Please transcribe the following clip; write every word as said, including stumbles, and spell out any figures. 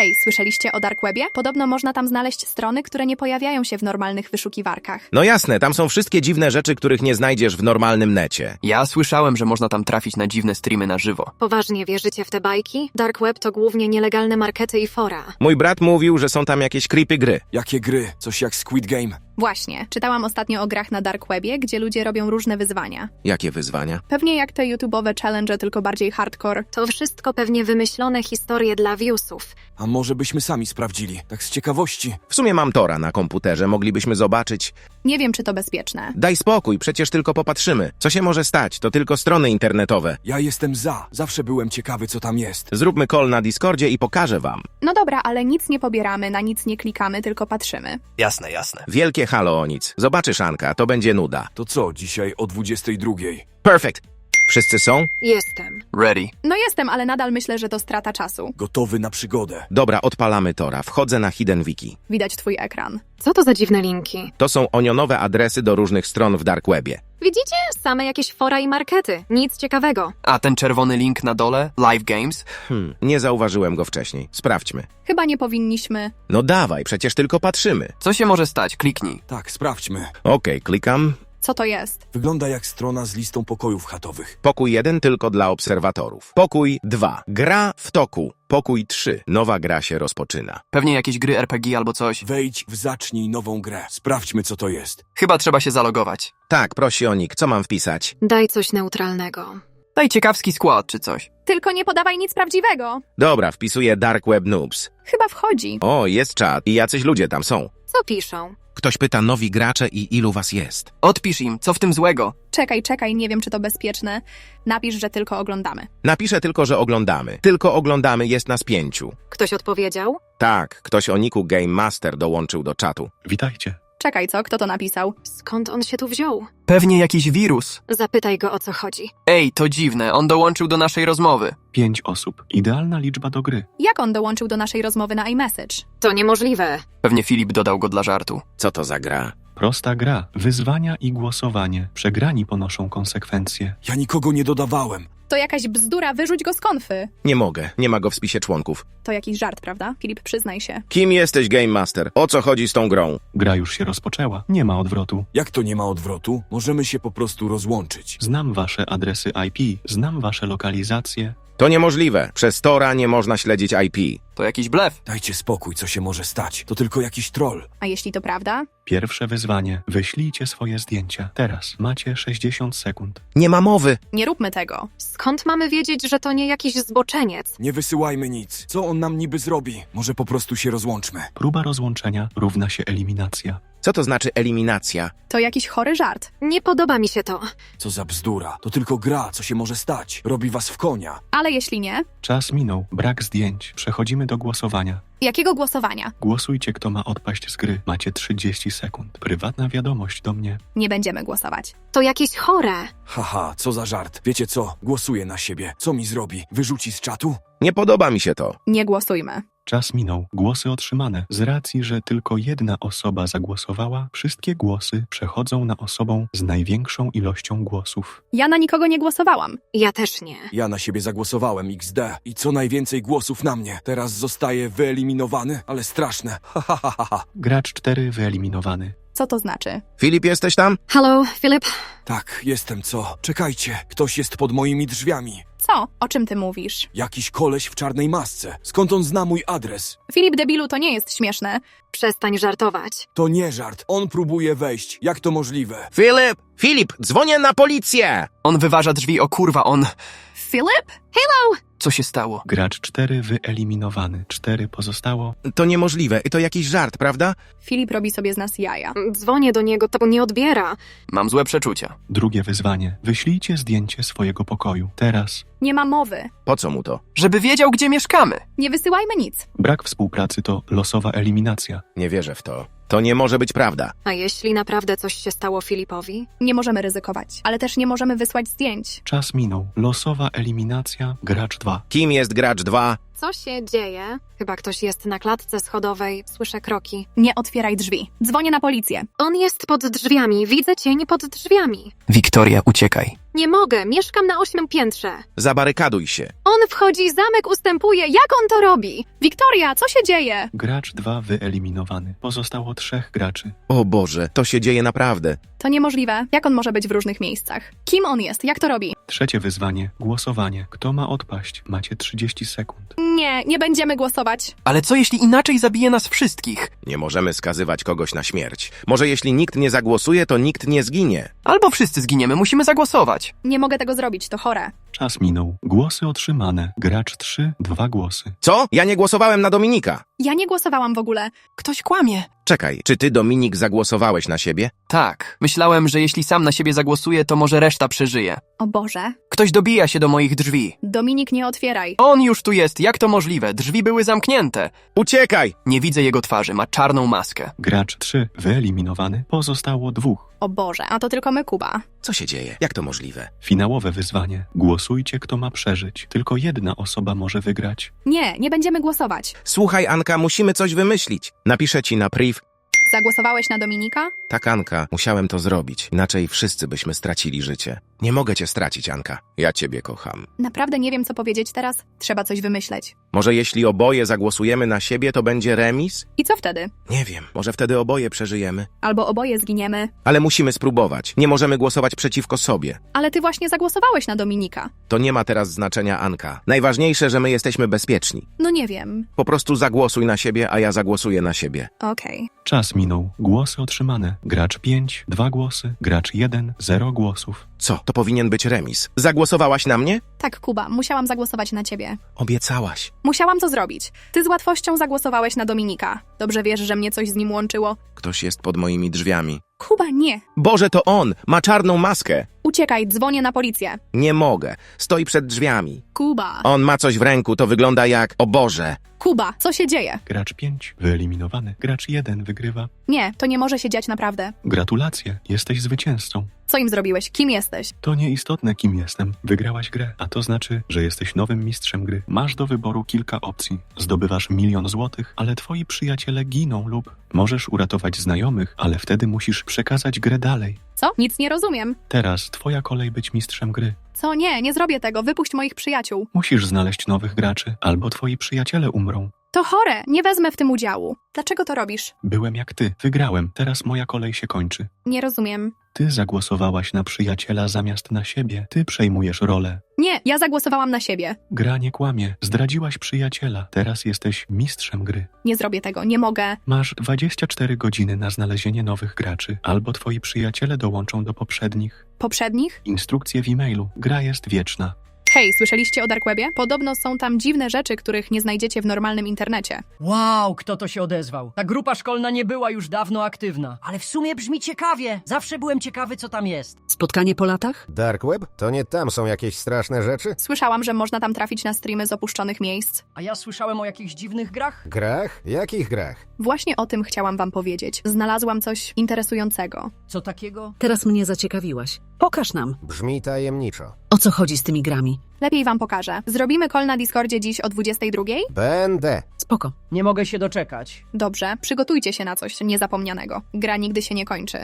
Hej, słyszeliście o Dark Webie? Podobno można tam znaleźć strony, które nie pojawiają się w normalnych wyszukiwarkach. No jasne, tam są wszystkie dziwne rzeczy, których nie znajdziesz w normalnym necie. Ja słyszałem, że można tam trafić na dziwne streamy na żywo. Poważnie wierzycie w te bajki? Dark Web to głównie nielegalne markety i fora. Mój brat mówił, że są tam jakieś creepy gry. Jakie gry? Coś jak Squid Game? Właśnie, czytałam ostatnio o grach na Dark Webie, gdzie ludzie robią różne wyzwania. Jakie wyzwania? Pewnie jak te YouTube'owe challenge, tylko bardziej hardcore. To wszystko pewnie wymyślone historie dla viewsów. A może byśmy sami sprawdzili? Tak z ciekawości. W sumie mam Tora na komputerze, moglibyśmy zobaczyć. Nie wiem, czy to bezpieczne. Daj spokój, przecież tylko popatrzymy. Co się może stać? To tylko strony internetowe. Ja jestem za. Zawsze byłem ciekawy, co tam jest. Zróbmy call na Discordzie i pokażę wam. No dobra, ale nic nie pobieramy, na nic nie klikamy, tylko patrzymy. Jasne, jasne. Wielkie halo o nic. Zobaczysz, Anka, to będzie nuda. To co, dzisiaj o dwudziestej drugiej? Perfect. Wszyscy są? Jestem. Ready. No jestem, ale nadal myślę, że to strata czasu. Gotowy na przygodę. Dobra, odpalamy Tora. Wchodzę na Hidden Wiki. Widać twój ekran. Co to za dziwne linki? To są onionowe adresy do różnych stron w Dark Webie. Widzicie? Same jakieś fora i markety. Nic ciekawego. A ten czerwony link na dole? Live Games? Hmm, nie zauważyłem go wcześniej. Sprawdźmy. Chyba nie powinniśmy. No dawaj, przecież tylko patrzymy. Co się może stać? Kliknij. Tak, sprawdźmy. Okej, klikam. Co to jest? Wygląda jak strona z listą pokojów chatowych. Pokój jeden tylko dla obserwatorów. Pokój dwa. Gra w toku. Pokój trzy. Nowa gra się rozpoczyna. Pewnie jakieś gry R P G albo coś. Wejdź w zacznij nową grę. Sprawdźmy, co to jest. Chyba trzeba się zalogować. Tak, prosi o nick. Co mam wpisać? Daj coś neutralnego. Daj ciekawski skład czy coś. Tylko nie podawaj nic prawdziwego. Dobra, wpisuję Dark Web Noobs. Chyba wchodzi. O, jest czat i jacyś ludzie tam są. Co piszą? Ktoś pyta nowi gracze i ilu was jest. Odpisz im, co w tym złego? Czekaj, czekaj, nie wiem, czy to bezpieczne. Napisz, że tylko oglądamy. Napiszę tylko, że oglądamy. Tylko oglądamy, jest nas pięciu. Ktoś odpowiedział? Tak, ktoś o niku Game Master dołączył do czatu. Witajcie. Czekaj, co? Kto to napisał? Skąd on się tu wziął? Pewnie jakiś wirus. Zapytaj go, o co chodzi. Ej, to dziwne, on dołączył do naszej rozmowy. Pięć osób. Idealna liczba do gry. Jak on dołączył do naszej rozmowy na iMessage? To niemożliwe. Pewnie Filip dodał go dla żartu. Co to za gra? Prosta gra. Wyzwania i głosowanie. Przegrani ponoszą konsekwencje. Ja nikogo nie dodawałem. To jakaś bzdura, wyrzuć go z konfy. Nie mogę, nie ma go w spisie członków. To jakiś żart, prawda? Filip, przyznaj się. Kim jesteś, Game Master? O co chodzi z tą grą? Gra już się rozpoczęła. Nie ma odwrotu. Jak to nie ma odwrotu? Możemy się po prostu rozłączyć. Znam wasze adresy I P. Znam wasze lokalizacje. To niemożliwe. Przez Tora nie można śledzić I P. To jakiś blef. Dajcie spokój, co się może stać. To tylko jakiś troll. A jeśli to prawda? Pierwsze wyzwanie. Wyślijcie swoje zdjęcia. Teraz macie sześćdziesiąt sekund. Nie ma mowy. Nie róbmy tego. Skąd mamy wiedzieć, że to nie jakiś zboczeniec? Nie wysyłajmy nic. Co on nam niby zrobi? Może po prostu się rozłączmy. Próba rozłączenia równa się eliminacja. Co to znaczy eliminacja? To jakiś chory żart. Nie podoba mi się to. Co za bzdura. To tylko gra, co się może stać. Robi was w konia. Ale jeśli nie, Czas minął. Brak zdjęć. Przechodzimy do głosowania. jakiego głosowania? Głosujcie, kto ma odpaść z gry. Macie trzydzieści sekund. Prywatna wiadomość do mnie. Nie będziemy głosować. To jakieś chore. Haha, co za żart. Wiecie co? Głosuję na siebie. Co mi zrobi? Wyrzuci z czatu? Nie podoba mi się to. Nie głosujmy. Czas minął. Głosy otrzymane. Z racji, że tylko jedna osoba zagłosowała, wszystkie głosy przechodzą na osobę z największą ilością głosów. Ja na nikogo nie głosowałam. Ja też nie. Ja na siebie zagłosowałem X D. I co najwięcej głosów na mnie. Teraz zostaje wyeliminowany, ale straszne. Ha, ha, ha, ha, ha. Gracz cztery wyeliminowany. Co to znaczy? Filip, jesteś tam? Halo, Filip? Tak, jestem co? Czekajcie, ktoś jest pod moimi drzwiami. Co? O czym ty mówisz? Jakiś koleś w czarnej masce. Skąd on zna mój adres? Filip, debilu, to nie jest śmieszne. Przestań żartować. To nie żart. On próbuje wejść. Jak to możliwe? Filip! Filip, dzwonię na policję! On wyważa drzwi, o kurwa, on... Filip? Co się stało? Gracz cztery wyeliminowany. cztery pozostało. To niemożliwe. To jakiś żart, prawda? Filip robi sobie z nas jaja. Dzwonię do niego, to nie odbiera. Mam złe przeczucia. Drugie wyzwanie. Wyślijcie zdjęcie swojego pokoju. Teraz. Nie ma mowy. Po co mu to? Żeby wiedział, gdzie mieszkamy. Nie wysyłajmy nic. Brak współpracy to losowa eliminacja. Nie wierzę w to. To nie może być prawda. A jeśli naprawdę coś się stało Filipowi? Nie możemy ryzykować, ale też nie możemy wysłać zdjęć. Czas minął. Losowa eliminacja. Gracz dwa. Kim jest gracz dwa? Co się dzieje? Chyba ktoś jest na klatce schodowej. Słyszę kroki. Nie otwieraj drzwi. Dzwonię na policję. On jest pod drzwiami. Widzę cień pod drzwiami. Wiktoria, uciekaj. Nie mogę, mieszkam na ósmym piętrze. Zabarykaduj się. On wchodzi, zamek ustępuje, jak on to robi? Wiktoria, co się dzieje? Gracz dwa wyeliminowany. Pozostało trzech graczy. O Boże, to się dzieje naprawdę. To niemożliwe. Jak on może być w różnych miejscach? Kim on jest? Jak to robi? Trzecie wyzwanie. Głosowanie. Kto ma odpaść? Macie trzydzieści sekund. Nie, nie będziemy głosować. Ale co jeśli inaczej zabije nas wszystkich? Nie możemy skazywać kogoś na śmierć. Może jeśli nikt nie zagłosuje, to nikt nie zginie. Albo wszyscy zginiemy, musimy zagłosować. Nie mogę tego zrobić, to chore. Czas minął. Głosy otrzymane. Gracz trzy, dwa głosy. Co? Ja nie głosowałem na Dominika. Ja nie głosowałam w ogóle. Ktoś kłamie. Czekaj, czy ty, Dominik, zagłosowałeś na siebie? Tak, myślałem, że jeśli sam na siebie zagłosuje, to może reszta przeżyje. O Boże. Ktoś dobija się do moich drzwi. Dominik, nie otwieraj. On już tu jest, jak to możliwe? Drzwi były zamknięte. Uciekaj! Nie widzę jego twarzy, ma czarną maskę. Gracz trzy wyeliminowany. Pozostało dwóch. O Boże, a to tylko my, Kuba. Co się dzieje? Jak to możliwe? Finałowe wyzwanie. Głosujcie, kto ma przeżyć. Tylko jedna osoba może wygrać. Nie, nie będziemy głosować. Słuchaj, Anka, musimy coś wymyślić. Napiszę ci na priv. Zagłosowałeś na Dominika? Tak, Anka, musiałem to zrobić. Inaczej wszyscy byśmy stracili życie. Nie mogę cię stracić, Anka. Ja ciebie kocham. Naprawdę nie wiem, co powiedzieć teraz. Trzeba coś wymyśleć. Może jeśli oboje zagłosujemy na siebie, to będzie remis? I co wtedy? Nie wiem, może wtedy oboje przeżyjemy. Albo oboje zginiemy. Ale musimy spróbować. Nie możemy głosować przeciwko sobie. Ale ty właśnie zagłosowałeś na Dominika. To nie ma teraz znaczenia, Anka. Najważniejsze, że my jesteśmy bezpieczni. No nie wiem. Po prostu zagłosuj na siebie, a ja zagłosuję na siebie. Okej. Czas minął. Głosy otrzymane. Gracz pięć, dwa głosy. Gracz jeden, zero głosów. Co? To powinien być remis. Zagłosowałaś na mnie? Tak, Kuba, musiałam zagłosować na ciebie. Obiecałaś. Musiałam to zrobić. Ty z łatwością zagłosowałeś na Dominika. Dobrze wiesz, że mnie coś z nim łączyło. Ktoś jest pod moimi drzwiami. Kuba, nie. Boże, to on! Ma czarną maskę! Uciekaj, dzwonię na policję. Nie mogę. Stoi przed drzwiami. Kuba. On ma coś w ręku, to wygląda jak... O Boże! Kuba, co się dzieje? Gracz pięć wyeliminowany. Gracz jeden wygrywa. Nie, to nie może się dziać naprawdę. Gratulacje, jesteś zwycięzcą. Co im zrobiłeś? Kim jesteś? To nieistotne, kim jestem. Wygrałaś grę, a to znaczy, że jesteś nowym mistrzem gry. Masz do wyboru kilka opcji. Zdobywasz milion złotych, ale twoi przyjaciele giną lub możesz uratować znajomych, ale wtedy musisz przekazać grę dalej. Co? Nic nie rozumiem. Teraz twoja kolej być mistrzem gry. Co? Nie, nie zrobię tego. Wypuść moich przyjaciół. Musisz znaleźć nowych graczy, albo twoi przyjaciele umrą. To chore, nie wezmę w tym udziału. Dlaczego to robisz? Byłem jak ty, wygrałem, teraz moja kolej się kończy. Nie rozumiem. Ty zagłosowałaś na przyjaciela zamiast na siebie. Ty przejmujesz rolę. Nie, ja zagłosowałam na siebie. Gra nie kłamie. Zdradziłaś przyjaciela. Teraz jesteś mistrzem gry. Nie zrobię tego, nie mogę. Masz dwadzieścia cztery godziny na znalezienie nowych graczy, albo twoi przyjaciele dołączą do poprzednich. Poprzednich? Instrukcje w e-mailu. Gra jest wieczna. Hej, słyszeliście o Dark Webie? Podobno są tam dziwne rzeczy, których nie znajdziecie w normalnym internecie. Wow, kto to się odezwał? Ta grupa szkolna nie była już dawno aktywna. Ale w sumie brzmi ciekawie. Zawsze byłem ciekawy, co tam jest. Spotkanie po latach? Dark Web? To nie tam są jakieś straszne rzeczy? Słyszałam, że można tam trafić na streamy z opuszczonych miejsc. A ja słyszałem o jakichś dziwnych grach. Grach? Jakich grach? Właśnie o tym chciałam wam powiedzieć. Znalazłam coś interesującego. Co takiego? Teraz mnie zaciekawiłaś. Pokaż nam. Brzmi tajemniczo. O co chodzi z tymi grami? Lepiej wam pokażę. Zrobimy call na Discordzie dziś o dwudziestej drugiej? Będę. Spoko. Nie mogę się doczekać. Dobrze, przygotujcie się na coś niezapomnianego. Gra nigdy się nie kończy.